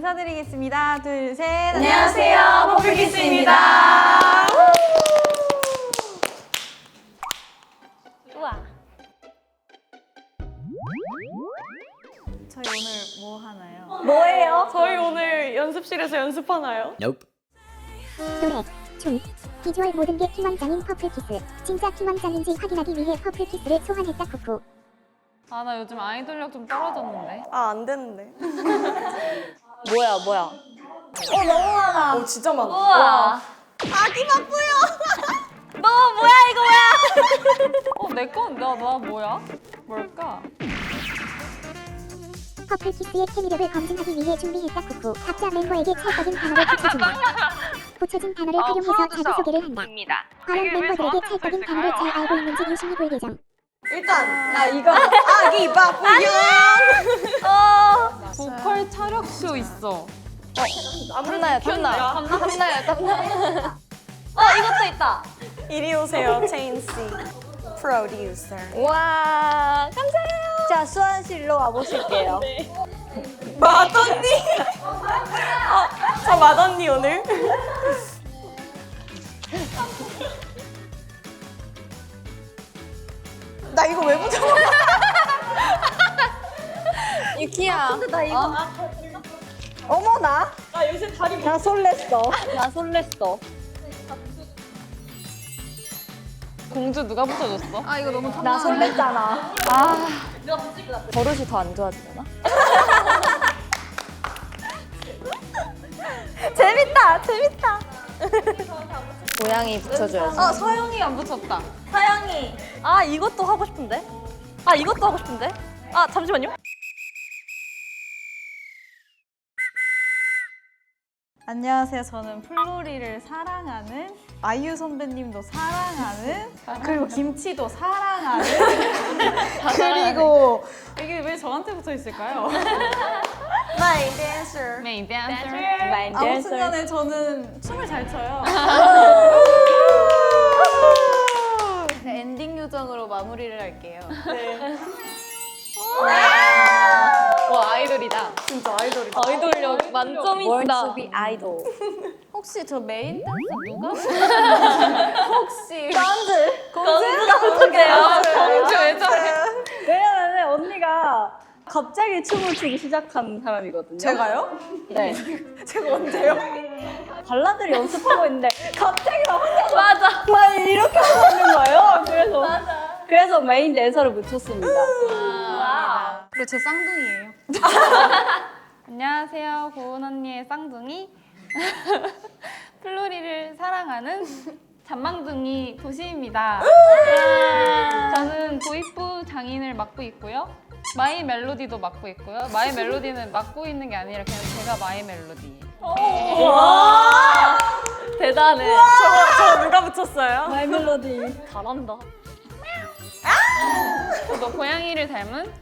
인사드리겠습니다. 둘, 셋. 안녕하세요, 퍼플키스입니다. 우와. 저희 오늘 뭐 하나요? 뭐예요? 저희 오늘 연습실에서 연습하나요? Nope. 노래, 춤, 비주얼 모든 게 팀원장인 퍼플키스. 진짜 팀원장인지 확인하기 위해 퍼플키스를 소환했다 쿠쿠. 아, 나 요즘 아이돌력 좀 떨어졌는데. 아, 안 되는데. 뭐야? 너무 많아. 진짜 많아. 우와. 아기 바쁘요. 너 뭐야 이거 뭐야? 내 건, 나 뭐야? 뭘까? 퍼플키스의 케미력을 검증하기 위해 준비했다 쿠쿠. 각자 멤버에게 찰떡인 단어를 붙여준다. 붙여진 단어를 활용해서 자기소개를 한다. 과연 멤버들에게 찰떡인 단어를 잘 알고 있는지 유심히 볼 예정. 일단 나 이거 아기 바쁘요. 보컬 차력쇼 있어. 탐나요. 이것도 있다. 이리 오세요, 체인 씨. 프로듀서. 와, 감사해요. 자, 수환실로 와보실게요. 맏언니. 저 맏언니 오늘. 나 이거 왜 붙여? 유키야. 근데 나 이거. 어머나. 나 설렜어. 공주 누가 붙여줬어? 아, 이거 너무 나 설렜잖아. 버릇이 더 안 좋아지려나? 재밌다. 고양이 붙여줘야지. 서영이 안 붙였다. 사양이. 아, 이것도 하고 싶은데? 아, 잠시만요. 안녕하세요. 저는 플로리를 사랑하는 아이유 선배님도 사랑하는 그리고 김치도 사랑하는 그리고 이게 왜 저한테 붙어 있을까요? 마이 댄서. 메인 댄서. 마인 아무튼 간에 저는 춤을 잘 춰요. 네, 엔딩 요정으로 마무리를 할게요. 네. 와, 아이돌이다. 진짜 아이돌이다. 아이돌력 만점이다. 아이돌. 혹시 저 메인 댄서 누가? 혹시 공주가 붙을게요. 공주 왜 저래? 왜냐면 언니가 갑자기 춤을 추기 시작한 사람이거든요. 제가요? 네. 제가 언제요? 발라드를 연습하고 있는데 갑자기 막 혼자서 막 이렇게 하고 있는 거예요. 그래서 메인 댄서를 붙였습니다. 그리고 제 쌍둥이에요. 안녕하세요. 고은 언니의 쌍둥이. 플로리를 사랑하는 잔망둥이 도시입니다. 저는 도입부 장인을 맡고 있고요. 마이 멜로디도 맡고 있고요. 마이 멜로디는 맡고 있는 게 아니라 그냥 제가 마이 멜로디예요. 와 대단해. 저 누가 붙였어요? 마이 멜로디 잘한다. 저도 고양이를 닮은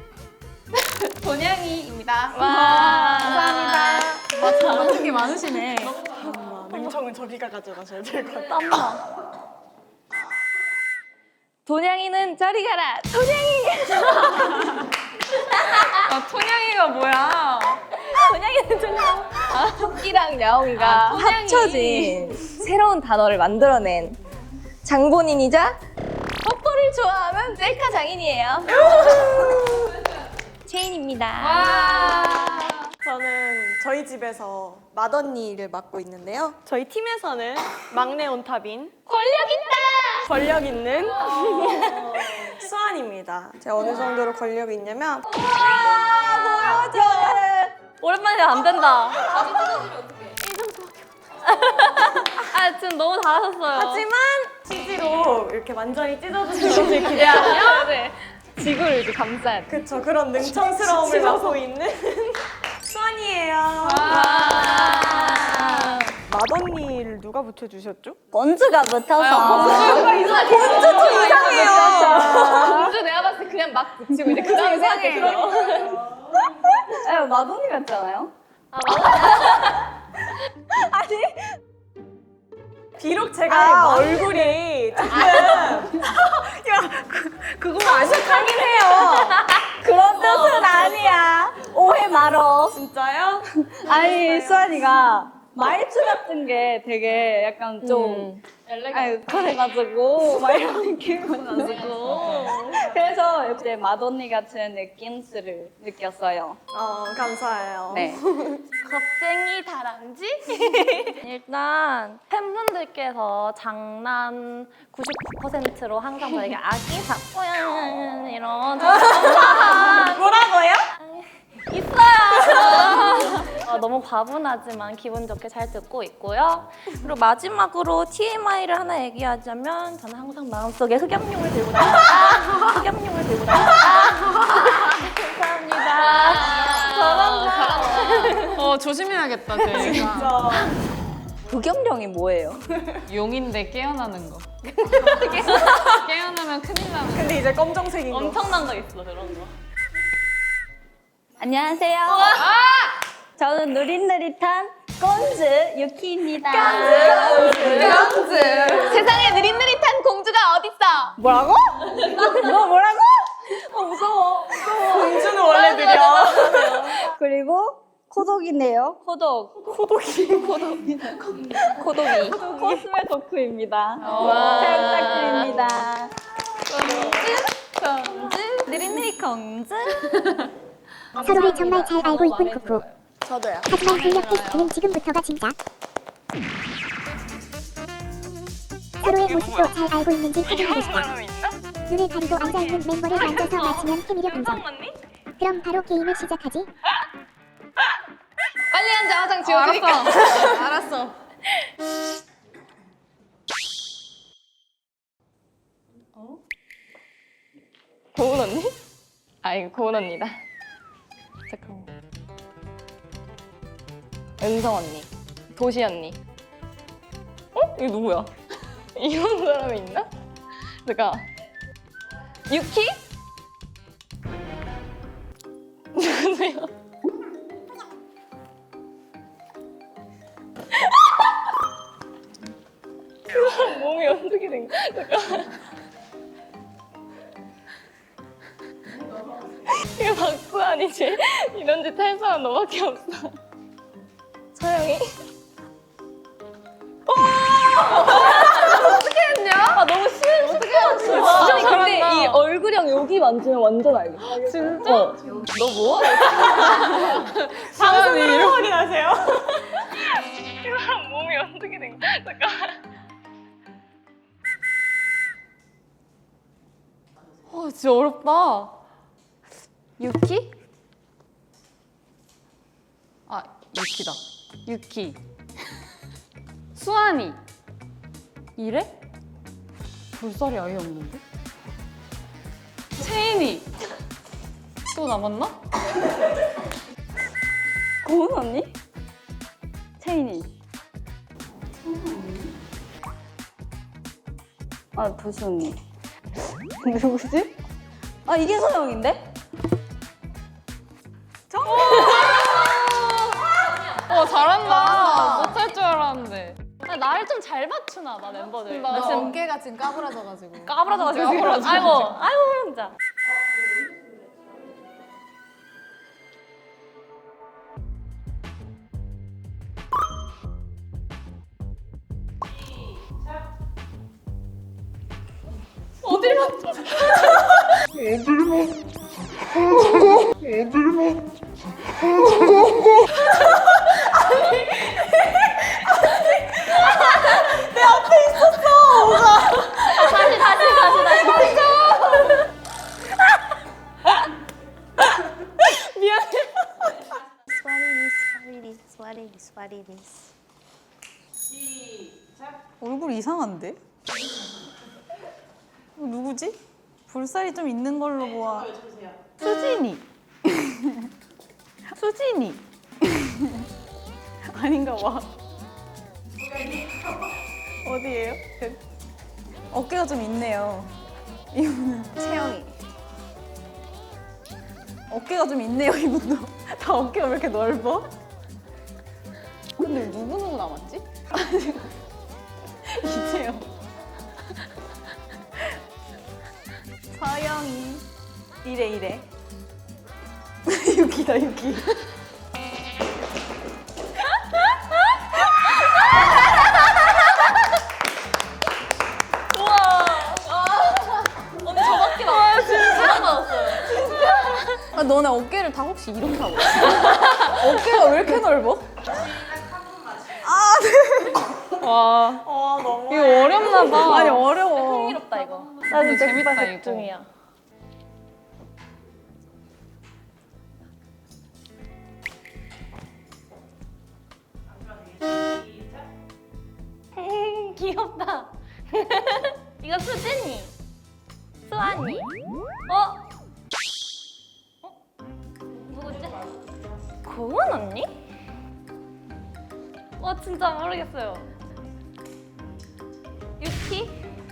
돈양이입니다. 감사합니다. 잘하는 게 많으시네. 냉정은 저기가 가져가셔야 될 것 같아요. 땀나. 돈양이는 저리 가라. 토냥이가 뭐야? 돈양이는 저리 가라. 토끼랑 야옹이가 토냥이. 합쳐진 새로운 단어를 만들어낸 장본인이자 뽀뽀를 좋아하는 셀카 장인이에요. 체인입니다. 저는 저희 집에서 맏언니를 맡고 있는데요. 저희 팀에서는 막내 온탑인 권력 있는 수환입니다. 제가 어느 정도로 권력이 있냐면 오랜만에 안 된다. 아, 지금 너무 잘하셨어요. 하지만 CG로 이렇게 완전히 찢어주신 것을 기대하며 네. 지구를 이렇게 감싸야 돼. 그쵸, 그런 능청스러움을 맡고 있는 수환이에요. 맏언니를 누가 붙여주셨죠? 먼지가 붙어서. 공주 좀 이상해요. 공주 내가 봤을 때 그냥 막 붙이고 이제 그 다음에 생각해. 마돈이 같잖아요? 비록 제가 얼굴이 조금 그거 아쉽긴 해요. 그런 뜻은 아니야. 오해 말어. 진짜요? 아니 수환이가 말투 같은 게 되게 약간 좀 아유 그래가지고 막 이런 느낌이어가지고 그래서 이제 맏언니 같은 느낌을 느꼈어요. 감사해요. 네. 겁쟁이 다람쥐? 일단 팬분들께서 장난 99%로 항상 저에게 아기 바꾸야 이런 뭐라고요? 있어요. 너무 과분하지만 기분 좋게 잘 듣고 있고요. 그리고 마지막으로 TMI를 하나 얘기하자면 저는 항상 마음속에 흑염룡을 들고 다닙니다. 흑염룡을 들고 다닙니다. 감사합니다. 조심해야겠다, 쟤. 진짜. 부경령이 뭐예요? 용인데 깨어나는 거. 깨어나면 큰일 나는 거. 근데 이제 검정색인 거. 엄청난 거 있어 그런 거. 안녕하세요. 저는 누릿누릿한 꼰즈 유키입니다. 세상에 느릿느릿한 공주가 어딨어? 뭐라고? 뭐라고? 무서워. 공주는 원래 느려. 그리고 코독이네요. 코독. 코독이. 코스메 덕후입니다. 잘 부탁드립니다. 느릿느릿 공주? 서로를 정말 잘 알고 있군 쿠쿠. 저도요. 하지만 근력 테스트는 지금부터가 진짜. 서로의 모습도 잘 알고 있는지 확인하고 싶다. 눈을 가리고 앉아있는 멤버를 만져서 맞히면 케미력 인정. 그럼 바로 게임을 시작하지. 빨리 앉아 화장 지워드릴까? 알았어. 고은 언니? 아 이거 고은 언니다. 잠깐만. 은성 언니, 도시 언니. 이거 누구야? 이런 사람이 있나? 잠깐. 유키? 누구세요? 그 사람 몸이 어떻게 된 거야? 잠깐. 이거 박수환이지? 이런 짓 할 사람 너밖에 없어. 서영이? 어떻게 했냐? 아 너무 쉬운 어떻게 했어? 아니 근데 이 얼굴이랑 여기 만지면 완전 알겠어. 진짜? 너 뭐? 방송으로 확인하세요. 이 사람 몸이 어떻게 된 거야? 잠깐. 진짜 어렵다. 유키? 아, 유키다. 유키. 수환이. 이래? 볼살이 아예 없는데? 채인이. 또 남았나? 고은 언니? 채인이. 아 도시 언니. 누구지? 아 이게 서영인데? 잘한다. 못할 줄 알았는데. 나를 좀 잘 맞추나 봐 멤버들. 나 지금 어깨가 지금 까부러져가지고. 까불어져가지고. 아이고 진짜. 어딜 맞춰? 얼굴 이상한데? 누구지? 볼살이 좀 있는 걸로 보아. 수진이. 수진이. 아닌가 봐. 어디예요? 어깨가 좀 있네요. 이분은 채영이. 어깨가 좀 있네요. 이분도 다 어깨가 왜 이렇게 넓어? 근데 누구 남았지? 이재영. 서영이. 이래. 유기다 유기. 아, 너네 어깨를 다 혹시 이렇게 하고 있어? 어깨가 왜 이렇게 넓어? 와 너무. 이거 어렵나 봐. 아니 어려워. 흥미롭다 이거. 나 이거 진짜 재밌다, 재밌다 이거. 중이야. 귀엽다. 이거 수진이, 수아니. 어? 누구지? 고은 언니? 진짜 모르겠어요. 유키?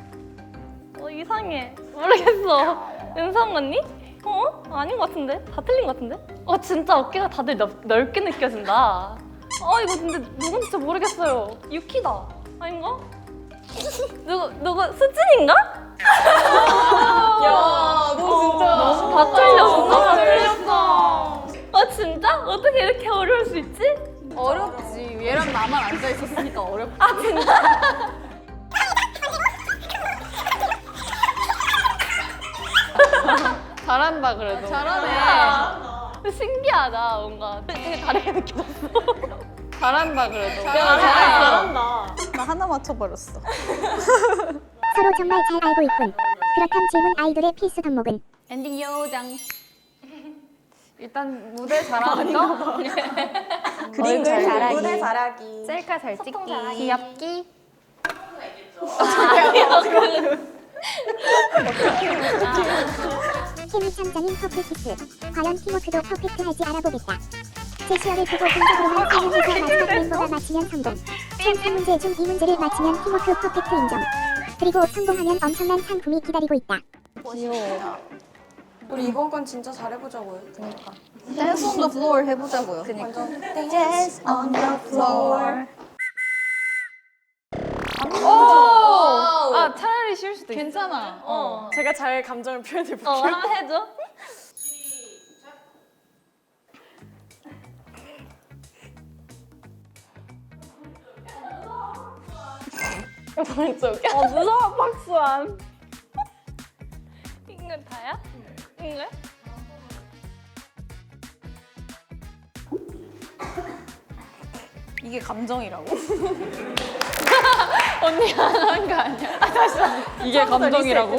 이상해. 모르겠어. 은성 언니? 아닌 것 같은데? 다 틀린 것 같은데? 진짜 어깨가 다들 넓게 느껴진다. 이거 근데 누군지 진짜 모르겠어요. 유키다. 아닌가? 누구, 수진인가? 야, 너 진짜 다 틀렸어. 다 틀렸어. 진짜? 어떻게 이렇게 어려울 수 있지? 어렵지. 얘랑 나만 앉아 있었으니까 어렵다. 잘한다 그래도. 잘하네. 신기하다, 뭔가. 되게 다르게 느껴졌어. 잘한다 그래도. 잘한다. 나 하나 맞춰버렸어. 서로 정말 잘 알고 있군. 그렇담 질문 아이돌의 필수 덕목은? 엔딩 요장. 일단 무대 잘하는 거. 그림 잘 그리기. 무대 잘하기. 셀카 잘 찍기. 귀엽기. 케미 참자인 퍼플키스. 과연 팀워크도 퍼펙트할지 알아보겠다. 제시어를 보고 분석으로만 설명해서 마지막 멤버가 맞히면 성공. 총 3문제 중 2문제를 맞히면 팀워크 퍼펙트 인정. 그리고 성공하면 엄청난 상품이 기다리고 있다. 우리 이번 건 진짜 잘해보자고요. 댄스 온 더 플로어 해보자고요. 완전 Dance on the floor. 차라리 쉬울 수도 있어. 괜찮아. 제가 잘 감정을 표현해볼게요. 한번 해줘. 무서워, 박수환. 이건 다야? 이거야? 이게 감정이라고. 언니가 한 거 아니야? 다시. 이게 감정이라고?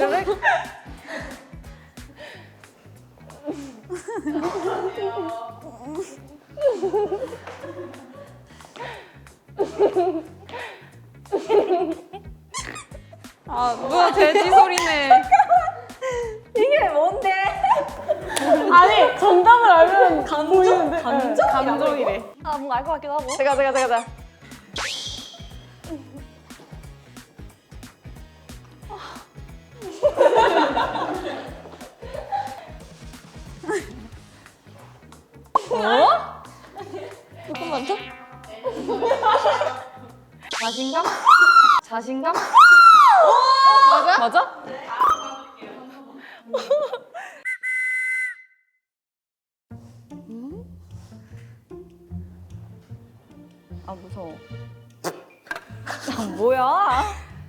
뭐야 돼지 소리네. 이게 뭔데? 아니, 정답을 알면 보이는데. 감정이래. 뭔가 알 것 같기도 하고. 제가. 조금만 더? 자신감? 맞아? 아 무서워. 뭐야?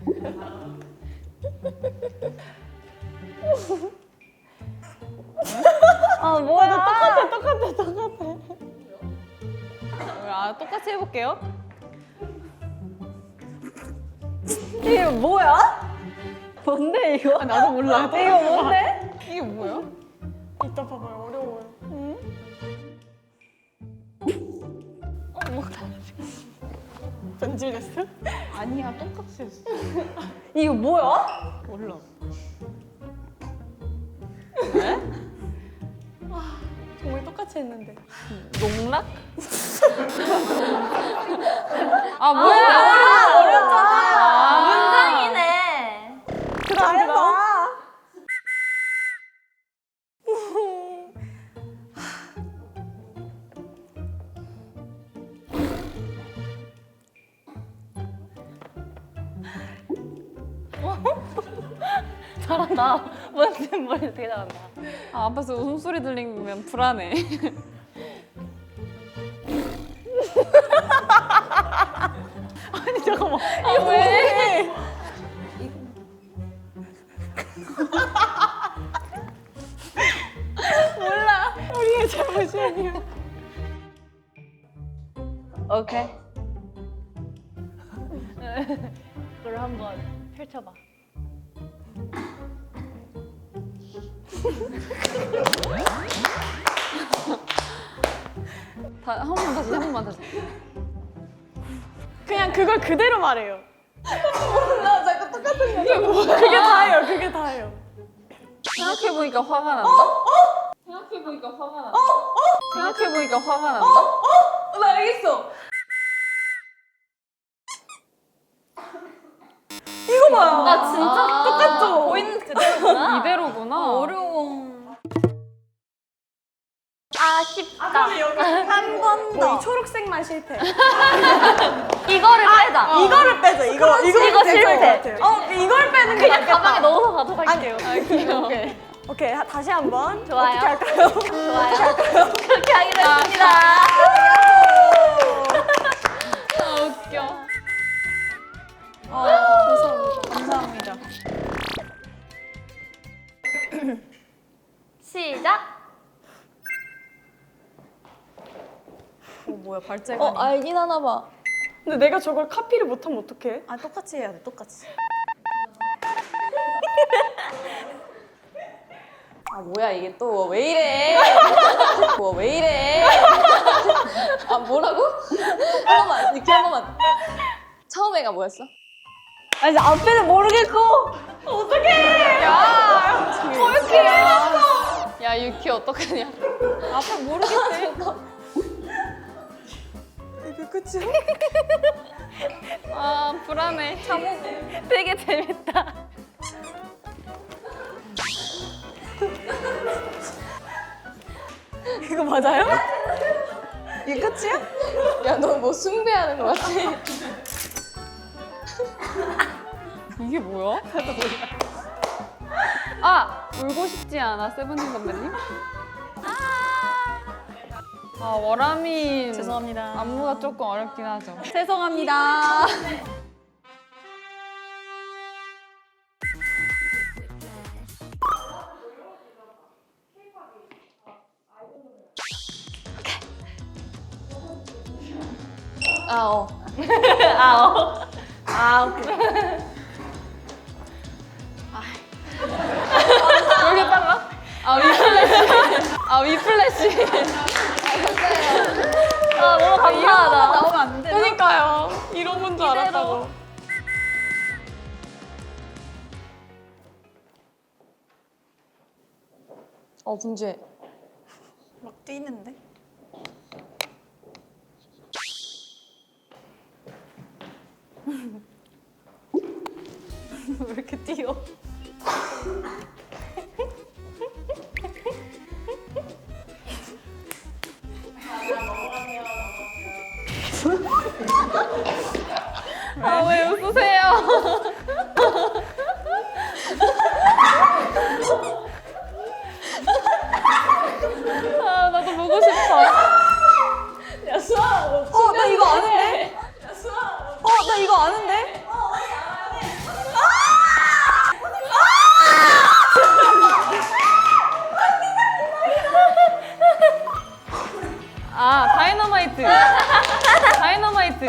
뭐야? 똑같이 해볼게요. 이게 뭐야? 뭔데 이거? 나도 몰라. 이거 뭔데? 이게 뭐야? 이따 봐봐요. 어려워요. 변질됐어? 아니야 똑같이 했어. 이거 뭐야? 몰라. 정말 똑같이 했는데. 농락? 뭐야? 어렵잖아. 문장이네. 잘해봐. 잘한다. 뭔지 모르겠어 되게 잘한다. 아, 앞에서 웃음소리 들리면 불안해. 아니 잠깐만. 왜? 몰라. 우리의 잘못이 아니야. 오케이. 그걸 한번 펼쳐봐. 한 번만 다시, 한 번만 다시. 그냥 그걸 그대로 말해요. 나 자꾸 똑같은 거. 그게 다예요. 그게 다예요. 생각해보니까 화가 난다? 생각해보니까 화가 난다? 생각해보니까 화가 난다? 나 알겠어. 이거 봐요. 아 진짜 똑같죠? 보이는 그대로구나. 이대로구나. 어려워. 아쉽다. 한 번 더. 이 초록색만 실패. 이거를 빼자. 이거를 빼자. 이거 이거 실패. 실패. 이걸 빼는 게 그냥 가방에 낫겠다. 넣어서 가져갈게요. 오케이. 다시 한번. 좋아요. 어떻게 할까요? 좋아요. 그렇게 하기로 했습니다. 아, 웃겨. 감사합니다. 시작. 뭐야 발재가. 알긴 하나 봐. 근데 내가 저걸 카피를 못하면 어떡해? 아 똑같이 해야 돼. 똑같이. 아 뭐야 이게 또 왜 이래? 뭐 왜 이래? 아 뭐라고? 한 번만 이렇게 한 번만. 처음에가 뭐였어? 아니 앞에는 모르겠고. 야, 유키 어떡하냐. 앞에 모르겠네. 이게 끝이야? 아, 불안해. 되게 재밌다. 이거 맞아요? 이게 끝이야? 야 너 뭐 숭배하는 것 같아. 이게 뭐야? 아! 울고 싶지 않아, 세븐틴 선배님? 아, 워라민. 죄송합니다. 안무가 조금 어렵긴 하죠. 죄송합니다. 아 어. 왜 이렇게 빨라? 아, 위플래시. 아, 위플래시. 아 너무 감사하다. 나오면 안 돼. 그러니까요. 이런 건 줄 알았다고. 분주해. 막 뛰는데? 왜 이렇게 뛰어? 아, 왜 웃으세요? 아, 나도 보고 싶어. 나 이거 아는데? 나 이거 아는데? 아, 다이너마이트. 다이너마이트.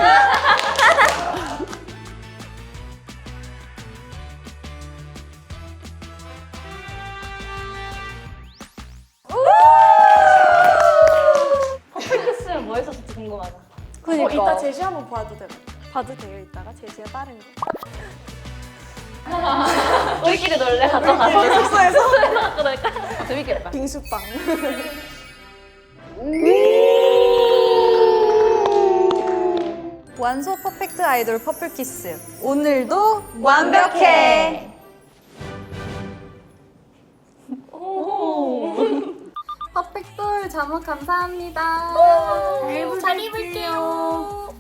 퍼펙트스는 뭐 했었을지 궁금하다. 이따 제시 한번 봐도 돼요, 이따가? 제시가 다른 거. 우리끼리 놀래 가져가서. 숙소에서? 갖고 놀까? 재밌겠다. 빙수빵. 완소 퍼펙트 아이돌 퍼플키스. 오늘도 완벽해. 퍼펙돌 잠옷 감사합니다. 잘 입을게요.